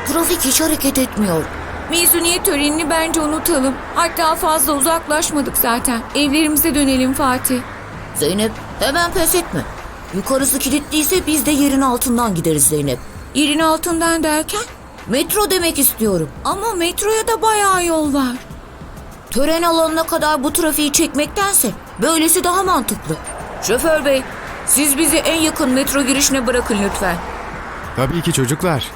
Trafik hiç hareket etmiyor. Mezuniyet törenini bence unutalım. Hatta fazla uzaklaşmadık zaten. Evlerimize dönelim Fatih. Zeynep, hemen pes etme. Yukarısı kilitliyse biz de yerin altından gideriz Zeynep. Yerin altından derken? Metro demek istiyorum. Ama metroya da bayağı yol var. Tören alanına kadar bu trafiği çekmektense böylesi daha mantıklı. Şoför bey, siz bizi en yakın metro girişine bırakın lütfen. Tabii ki çocuklar.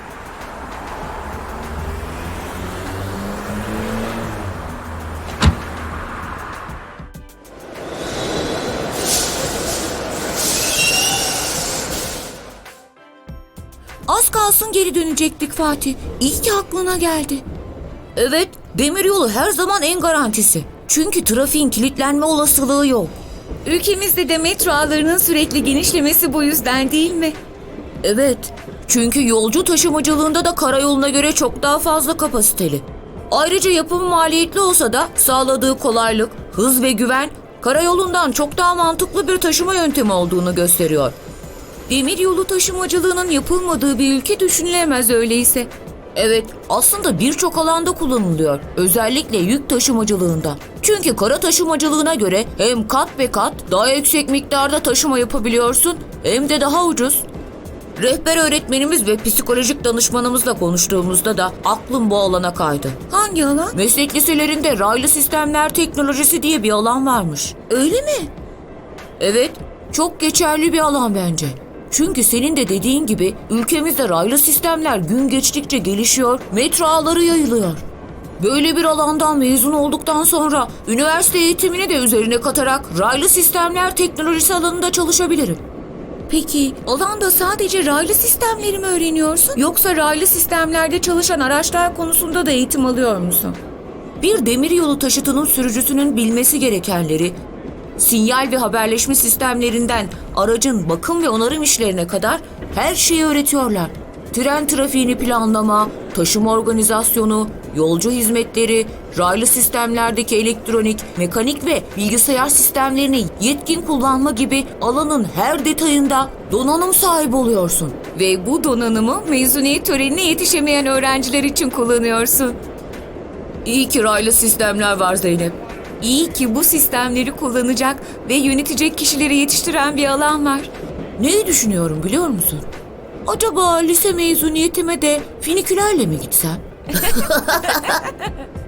Az kalsın geri dönecektik Fatih. İyi ki aklına geldi. Evet, demiryolu her zaman en garantisi. Çünkü trafiğin kilitlenme olasılığı yok. Ülkemizde de metro ağlarının sürekli genişlemesi bu yüzden değil mi? Evet, çünkü yolcu taşımacılığında da karayoluna göre çok daha fazla kapasiteli. Ayrıca yapımı maliyetli olsa da sağladığı kolaylık, hız ve güven karayolundan çok daha mantıklı bir taşıma yöntemi olduğunu gösteriyor. Demiryolu taşımacılığının yapılmadığı bir ülke düşünülemez öyleyse. Evet, aslında birçok alanda kullanılıyor. Özellikle yük taşımacılığında. Çünkü kara taşımacılığına göre hem kat be kat daha yüksek miktarda taşıma yapabiliyorsun hem de daha ucuz. Rehber öğretmenimiz ve psikolojik danışmanımızla konuştuğumuzda da aklım bu alana kaydı. Hangi alan? Meslek liselerinde raylı sistemler teknolojisi diye bir alan varmış. Öyle mi? Evet, çok geçerli bir alan bence. Çünkü senin de dediğin gibi ülkemizde raylı sistemler gün geçtikçe gelişiyor, metro ağları yayılıyor. Böyle bir alandan mezun olduktan sonra üniversite eğitimini de üzerine katarak raylı sistemler teknolojisi alanında çalışabilirim. Peki alanda sadece raylı sistemleri mi öğreniyorsun? Yoksa raylı sistemlerde çalışan araçlar konusunda da eğitim alıyor musun? Bir demiryolu taşıtının sürücüsünün bilmesi gerekenleri, sinyal ve haberleşme sistemlerinden aracın bakım ve onarım işlerine kadar her şeyi öğretiyorlar. Tren trafiğini planlama, taşıma organizasyonu, yolcu hizmetleri, raylı sistemlerdeki elektronik, mekanik ve bilgisayar sistemlerini yetkin kullanma gibi alanın her detayında donanım sahibi oluyorsun. Ve bu donanımı mezuniyet törenine yetişemeyen öğrenciler için kullanıyorsun. İyi ki raylı sistemler var Zeynep. İyi ki bu sistemleri kullanacak ve yönetecek kişileri yetiştiren bir alan var. Neyi düşünüyorum biliyor musun? Acaba lise mezuniyetime de finikülerle mi gitsem?